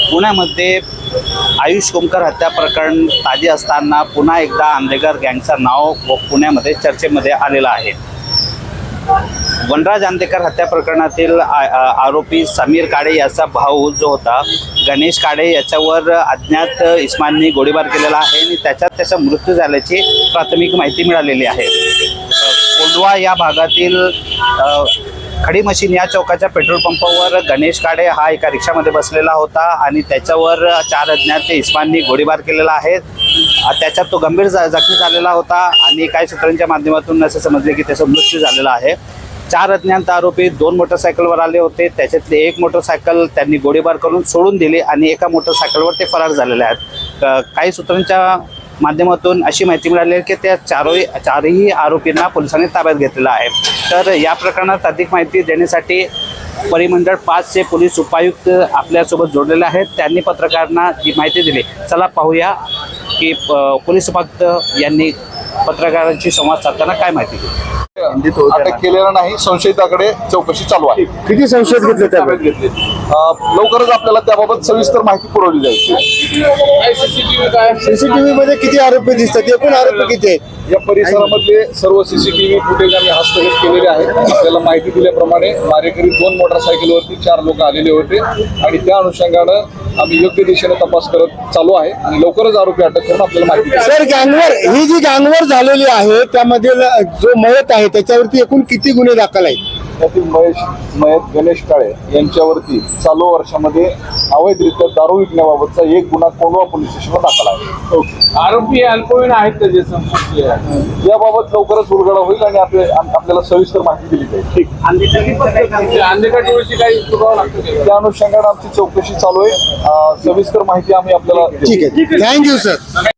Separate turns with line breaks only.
पुण्यामध्ये आयुष कोमकर हत्या प्रकरण ताजे असताना पुन्हा एकदा आंदेकर गँगचं नाव पुण्यामध्ये चर्चेमध्ये आलेलं आहे। वनराज आंदेकर हत्या प्रकरणातील आरोपी समीर काळे याचा भाऊ जो होता गणेश काळे याच्यावर अज्ञात इस्मांनी गोळीबार केलेला आहे आणि त्याचा मृत्यू झाल्याची प्राथमिक माहिती मिळालेली आहे। कोंढवा या भागातील खडी मशीन या चौकाच्या पेट्रोल पंपावर गणेश काळे हा एका रिक्षामध्ये बसलेला होता आणि त्याच्यावर 4 अज्ञात इस्मांनी गोळीबार केलेला आहे। त्याच्यात तो गंभीर जखमी झालेला होता आणि काही सूत्रांच्या माध्यमातून असे समजले की त्याचा मृत्यू झालेला आहे। 4 अज्ञात आरोपी 2 मोटरसायकलवर आले होते। त्याच्यातले एक मोटरसायकल त्यांनी गोळीबार करून सोडून दिली आणि एका मोटरसायकलवर ते फरार झालेले आहेत। काही सूत्रांच्या माध्यमातून अशी माहिती मिळाली आहे की त्या चारही आरोपींना पोलिसांनी ताब्यात घेतलेला आहे। तर या प्रकरणात अधिक माहिती देण्यासाठी परिमंडळ 5चे पोलीस उपायुक्त आपल्यासोबत जोडलेले आहेत। त्यांनी पत्रकारांना ही माहिती दिली। चला पाहूया की पोलीस उपायुक्त यांनी पत्रकारांशी संवाद साधताना काय माहिती दिली।
अटक केलेला नाही, संशयिताकडे चौकशी चालू आहे।
किती संशयित घेतले ताब्यात
घेतले लवकरच आपल्याला त्याबाबत सविस्तर माहिती पुरवली जाईल।
सीसीटीव्ही मध्ये किती आरोपी दिसतात, एकूण आरोपी किती आहेत?
या परिसरामधले सर्व सीसीटीव्ही फुटेज आम्ही हस्तगत केलेले आहेत। आपल्याला माहिती दिल्याप्रमाणे मारेकरी 2 मोटरसायकलवरती 4 लोक आलेले होते आणि त्या अनुषंगानं आम्ही योग्य दिशेने तपास करत चालू आहे आणि लवकरच आरोपी अटक करून आपल्याला माहिती देऊ।
सर, गँगवर ही जी गँगवर झालेली आहे त्यामध्ये जो मयत आहे त्याच्यावरती एकूण किती गुन्हे दाखल आहेत?
त्यातील मयत गणेश काळे यांच्यावरती चालू वर्षामध्ये अवैधरित्या दारू विकण्याबाबतचा 1 गुन्हा कोंढवा पोलीस स्टेशनवर दाखल आहे।
आरोपी अल्पवयीन आहेत त्याचे संशय
याबाबत लवकरच उलगडा होईल आणि आपल्याला सविस्तर माहिती दिली जाईल। ठीक,
अंधेकाटोळीची काही चुकावं लागतं
त्या अनुषंगाने आमची चौकशी चालू आहे। सविस्तर माहिती आम्ही आपल्याला
ठीक आहे, थँक्यू सर।